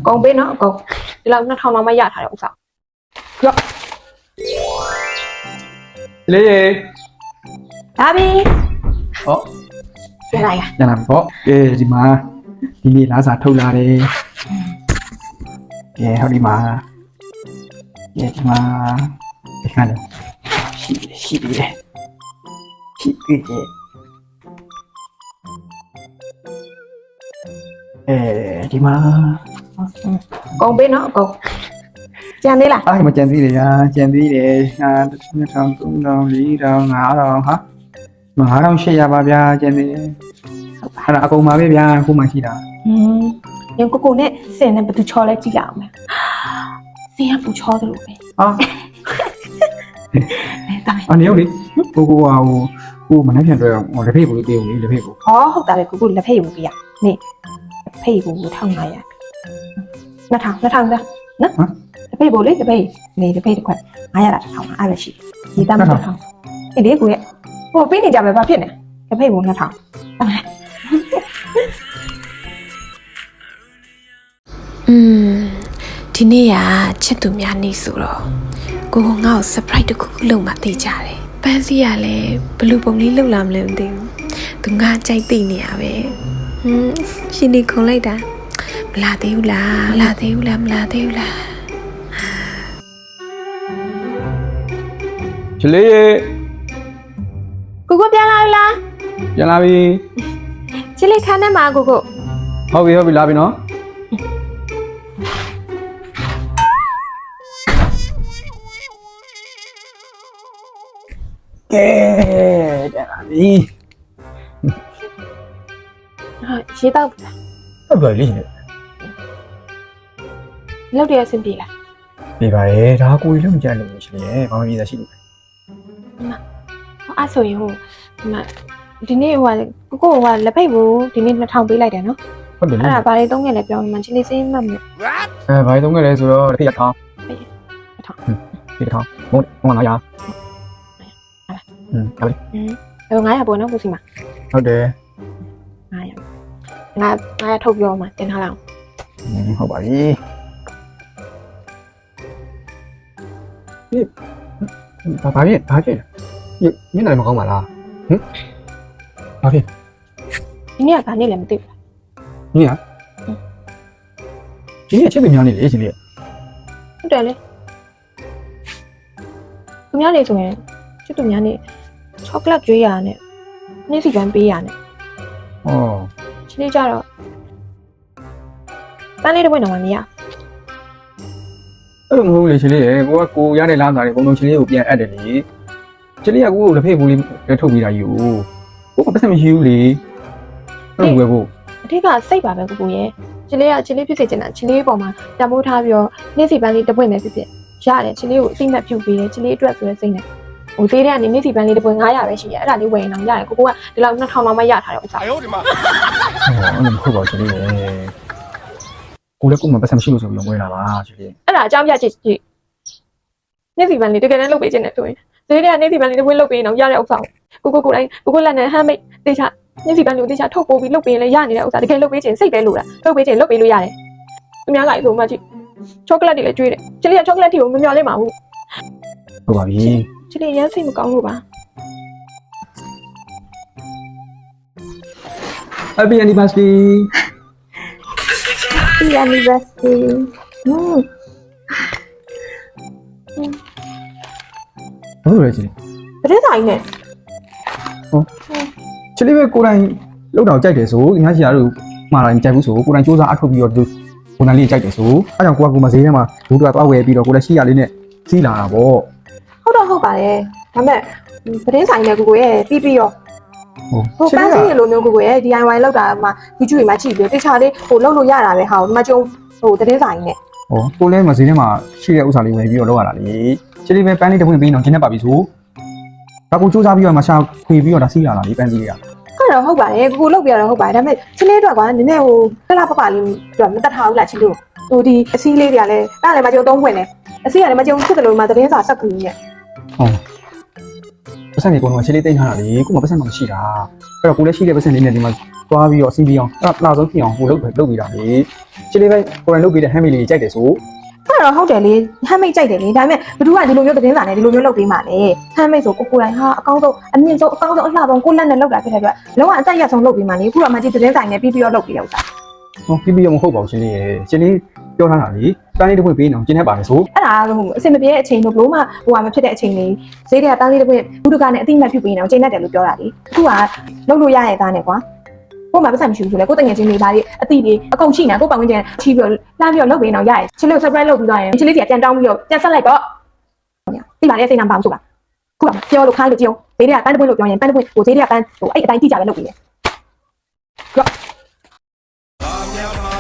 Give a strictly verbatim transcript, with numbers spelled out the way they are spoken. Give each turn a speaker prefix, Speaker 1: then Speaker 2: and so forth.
Speaker 1: ကုန်ပေးနော်အကုန်ဒီလောက်နှစ်ထောင်လောက်မှရထားတဲ့ဥစ္စာရော့
Speaker 2: လေးရေ
Speaker 1: ဒါပြီ
Speaker 2: ဟော
Speaker 1: ပြန်လာရ
Speaker 2: ပြန်လာပြီပေါ့ကဲဒီမှာဒီနေ့လာစာထုတ်လာတယ်ကဲဟောဒီမှာကဲဒီမှာဒီခါလေးရှိရှိတယ်ရှိတယ်အဲဒီမှာ
Speaker 1: ကုန်ပေးနော်အကုန်ကြံသေးလား
Speaker 2: အားမကြံသေးတယ်ညာကြံသေးတယ်ဟာနှစ်ထောင်သုံးထောင်လေးထောင်ငါးထောင်ဟာငါးထောင်ရှစ်ရပါဗျာကြံသေးတယ်အဲ့ဒါအကုန်ပါပဲဗျာခုမှရှိတာ
Speaker 1: ဟင်းညကိုကိုနဲ့စင်နဲ့ဘယ်သူချော်လဲကြည့်ရအောင်မယ်စင်ကပူချောတယ်လို့ပဲ
Speaker 2: ဟာအနေရောလေကိုကိုကဟိုကိုမနေ့ပြန်တွေ့အောင်လက်ဖေးကိုလေးပေးဦးလေလက်ဖေးကို
Speaker 1: ဟောဟုတ်တာပဲကိုကိုလက်ဖေးယူပြရနေလက်ဖေးကိုထောင်းငါရနှစ်ထောင်နှစ်ထောင်သားနော်လက်ဖေးပို့လေလက်ဖေးနေလက်ဖေးတစ်ခွက်ငါရတာတစ်ထောင်အဲ့ပဲရှိဒီတမ်းတစ်ထောင်အေးလေကိုရဲ့ဟိုပေးနေကြပဲဘာဖြစ်နေလက်ဖေးကိုနှစ်ထောင်
Speaker 3: อืมဒီနေ့ကချစ်သူများနေဆိုတော့ကိုကငါ့ကို surprise တစ်ခုခုလုပ်မှသိကြတယ်ပန်းစီကလည်းဘလူးပုံလေးလှုပ်လာမလဲမသိဘူးသူငါကြိုက်သိနေရပဲဟင်းရှင်နေခုံလိုက်တာမလာသေးဘူးလားမလာသေးဘူးလားမလာသေးဘူးလား
Speaker 2: ချလေးရေ
Speaker 1: ကိုကိုပြန်လာပြီလား
Speaker 2: ပြန်လာပြီ
Speaker 1: ချစ်လေးခန်းထဲမှာကိုကို
Speaker 2: ဟုတ်ပြီဟုတ်ပြီလာပြီနော်ကဲပြန်လာပြီ
Speaker 1: ဟာရေတောက်
Speaker 2: ဟုတ်ပါလိမ့်မယ်
Speaker 1: လောက်တရဆင်ပြေလား
Speaker 2: ပြေပါရဲ့ဒါကိုကြီးလုံးကြလို့မရှိလေဘာမှမပြေတာရှိလို့
Speaker 1: မအဲ့ဆိုရင်ဟိုဒီမှာဒီနေ့ဟိုကိုကိုကလက်ဖိတ်ဘူးဒီနေ့နှစ်ထောင်ပေးလိုက်တယ်နော်
Speaker 2: ဟုတ်တယ်လေ
Speaker 1: အဲ့ဒါဘာလေးသုံးခဲ့လဲပြောမှချစ်လေးစိမ့်မှတ်မယ်
Speaker 2: အဲဘာလေးသုံးခဲ့လဲဆိုတော့တစ်ခေတ်ထောင်း
Speaker 1: တစ်ထောင်
Speaker 2: ဒီတစ်ထောင်ဘုံဘုံငါးရာอืมဟုတ်ပြီ
Speaker 1: อืมအဲ့တော့ငါးရာပေါ့နော်ကိုစီမ
Speaker 2: ဟုတ်တယ်
Speaker 1: ငါးရာငါငါးရာထုတ်ပြောမှတင်ထားလိုက်
Speaker 2: အောင်ဟုတ်ပါပြီဘာဘာဖြစ်ဘာဖြစ်ညနေမကောင်းပါလားဟင်ဘာဖြစ်
Speaker 1: ဒီနေ့ကဘာနေ့လဲမသိဘူး
Speaker 2: ညညဒီနေ့ချက်ပြများနေလေရှင်လေး
Speaker 1: ဟုတ်တယ်လေသူများနေဆိုရင်ချစ်သူများနေချောကလက်ကျွေးရနဲ့နေ့စီပန်းပေးရနဲ့
Speaker 2: ဩ
Speaker 1: ချစ်လေးကြတော့ပန်းလေးတစ်ပွင့်တော့မရ
Speaker 2: အဲ့လိုမဟုတ်လေရှင်လေးရေကိုကကိုရတဲ့လားစားတယ်ဘုံလုံးရှင်လေးကိုပြန်အပ်တယ်လေရှင်လေးကကိုကိုလက်ဖေးဘူးလေးလည်းထုတ်ပြီးတာယူကိုကပတ်စံမရှိဘူးလေအဲ့လိုပဲကို
Speaker 1: အထက်ကစိတ်ပါပဲကိုကိုရဲ့ချစ်လေးကချစ်လေးဖြစ်စေချင်တာချစ်လေးပေါ်မှာတမိုးထားပြီးတော့နေ့စီပန်းလေးတစ်ပွင့်ပဲဖြစ်ဖြစ်ရတယ်ချစ်လေးကိုအသိမှတ်ပြုပေးတယ်ချစ်လေးအတွက်ဆိုတဲ့စိတ်နဲ့ဟိုသေးတဲ့ကနေနေ့စီပန်းလေးတစ်ပွင့်ငါးရာပဲရှိရဲ့အဲ့ဒါလေးဝယ်ရင်တော့ရတယ်ကိုကိုကဒီလောက်နှစ်ထောင်လောက်မှရထားတဲ့ဥစ္စာ
Speaker 2: အယောဒီမှာအဲ့လိုမဟုတ်ပါဘူးရှင်လေးရေကိုလည်းကိုမှပတ်စံမရှိလို့ဆိုပြီးဝယ်လာပါရှင်လေး
Speaker 1: အဲ့ဒါအကြောင်းပြချစ်ချစ်နေ့စီပန်းလေးတကယ်တမ်းလုပ်ပေးခြင်းနဲ့ဆိုရင်သေးတဲ့ကနေစီပန်းလေးတစ်ပွင့်လုပ်ပေးရင်တော့ရတဲ့ဥစ္စာကိုကိုကိုတိုင်းကိုကိုလက်နဲ့ဟမ်းမိတ်တေချာနေ့စီပန်းလေးကိုတေချာထုတ်ပိုးပြီးလုပ်ပေးရင်လည်းရနေတဲ့ဥစ္စာတကယ်လုပ်ပေးခြင်းစိတ်ပဲလို့လားလုပ်ပေးခြင်းလုပ်ပေးလို့ရတယ်သူများလိုက်ဆိုမှကြည့်ချောကလက်တွေလည်းကျွေးတယ်ချစ်လေးကချောကလက်တွေကိုမမျှော်လင့်ပါဘူး
Speaker 2: ဟုတ်ပါပြီ
Speaker 1: ချစ်လေးရမ်းစိတ်မကောင်းလို့ပါ
Speaker 2: Happy anniversary
Speaker 1: Happy anniversary
Speaker 2: ဟုတ်တယ်ကြီး
Speaker 1: ဘယ်တဲ့ဆိုင်နဲ့
Speaker 2: ဟုတ်ချစ်လေးပဲကိုယ်တိုင်လောက်တော့ကြိုက်တယ်ဆိုငါရှိရတို့မှားတိုင်းကြိုက်ဘူးဆိုကိုယ်တိုင်စူးစမ်းအထုတ်ပြီးတော့ကိုယ်တိုင်လေးကြိုက်တယ်ဆိုအဲကြောင့်ကိုကကိုမဈေးထဲမှာဘူးတော့သွားဝယ်ပြီးတော့ကိုလည်းရှိရလေးနဲ့စီးလာတာပေါ့
Speaker 1: ဟုတ်တော့ဟုတ်ပါတယ်ဒါပေမဲ့ဘယ်တဲ့ဆိုင်နဲ့ကိုကိုရဲ့ပြီးပြီးရောဟိုပန်းစီရလိုမျိုးကိုကိုရဲ့ ဒီ အိုင် ဝိုင် လောက်တာမှ YouTube တွေမှာကြည့်ပြီးတေချာလေးဟိုလောက်လို့ရတာပဲဟာဒီမှာကျုံဟိုတဲ့ဆိုင်နဲ့
Speaker 2: ဟောကိုလည်းမဈေးထဲမှာရှိတဲ့ဥစ္စာလေးဝယ်ပြီးတော့လောက်ရတာလေချစ်လေးပဲပန်းလေးတစ်ပွင့်ပြီးတော့ကျင်းနေပါပြီဆိုဒါကိုစူးစမ်းပြီးတော့မရှာခွေပြီးတော့ဒါစီးလာတာလေပန်းစီလေးက
Speaker 1: အဲ့တော့ဟုတ်ပါတယ်ကိုကိုလောက်ပြတော့ဟုတ်ပါတယ်ဒါပေမဲ့ချစ်လေးတော့ကွာနည်းနည်းဟိုခက်လာပပလေးတော့မတတ်ထားဘူးလားချစ်လို့ဟိုဒီအစည်းလေးတွေကလည်းအဲ့ဒါလည်းမကျုံသုံးပွင့်တယ်အစည်းကလည်းမကျုံဖြစ်တယ်လို့မှသတင်းစာဆက်ကူကြီးရဲ့
Speaker 2: ဟုတ်အပတ်စံနေကုန်တော့ချင်းလေးတိတ်ထားတာလေကိုမပတ်စံမှမရှိတာအဲ့တော့ကိုလည်းရှိတဲ့ပတ်စံလေးနဲ့ဒီမှာသွားပြီးတော့အစီပြီးအောင်အဲ့တော့လာဆုံးဖြစ်အောင်ကိုလုပ်လုပ်ပြီးတာလေချင်းလေးပဲကိုယ်တိုင်လုပ်ပြီးတဲ့ဟမ်မီလေးကြိုက်တယ်ဆို
Speaker 4: အဲ့တော့ဟုတ်တယ်လေဟမ်းမိတ်ကြိုက်တယ်လေဒါပေမဲ့ဘသူကဒီလိုမျိုးသတင်းစာနဲ့ဒီလိုမျိုးလုပ်ပေးမှလေဟမ်းမိတ်ဆိုကိုကိုတိုင်းဟာအကောင်းဆုံးအမြင့်ဆုံးအကောင်းဆုံးအလှဆုံးကိုလက်နဲ့လုပ်တာဖြစ်တဲ့အတွက်လုံးဝအသက်ရဆုံးလုပ်ပေးမှလေအခုတော့မှကြီးသတင်းစာနဲ့ပြီးပြီးတော့လုပ်ပေးတဲ့ဥစ္စာ
Speaker 2: ဟောပြီးပြီးတော့မဟုတ်ပါဘူးချင်းလေးရဲ့ချင်းလေးပြောထားတာလေတိုင်းလေးတစ်ခွင့်ပေးနေအောင်ကျင်းနေပါလေဆို
Speaker 4: အဲ့ဒါဟိုအစင်မပြေတဲ့အချိန်တို့ဘလို့မှဟိုဟာမဖြစ်တဲ့အချိန်လေးဈေးတွေကတန်းလေးတစ်ခွင့်ဘူးတကနဲ့အတိမတ်ပြုပေးနေအောင်ချိန်တတ်တယ်လို့ပြောတာလေအခုကလုပ်လို့ရရဲ့သားနဲ့ကွာကိုမှပတ်စံမရှိဘူးဆိုလေကိုတငယ်ချင်းလေးသားလေးအတိလေးအကုန်ချိနေကိုပတ်ဝန်းကျင်ချီးပြီးတော့လှမ်းပြီးတော့လုပ်ပေးနေအောင်ရရဲ့ချင်းလေး surprise လုပ်ပြီးတော့ရင်ချင်းလေးစီကပြန်တောင်းပြီးတော့ပြန်ဆက်လိုက်တော့ဒီပါလေစိတ်နာမပါဘူးဆိုလားခုကပြောလို့ခိုင်းလို့ကြည့်အောင်ဈေးတွေကပန်းတစ်ပွင့်လို့ပြောရင်ပန်းတစ်ပွင့်ဟိုဈေးတွေကပန်းဟိုအဲ့အတိုင်းတိကြပဲလုပ်ပေးတယ်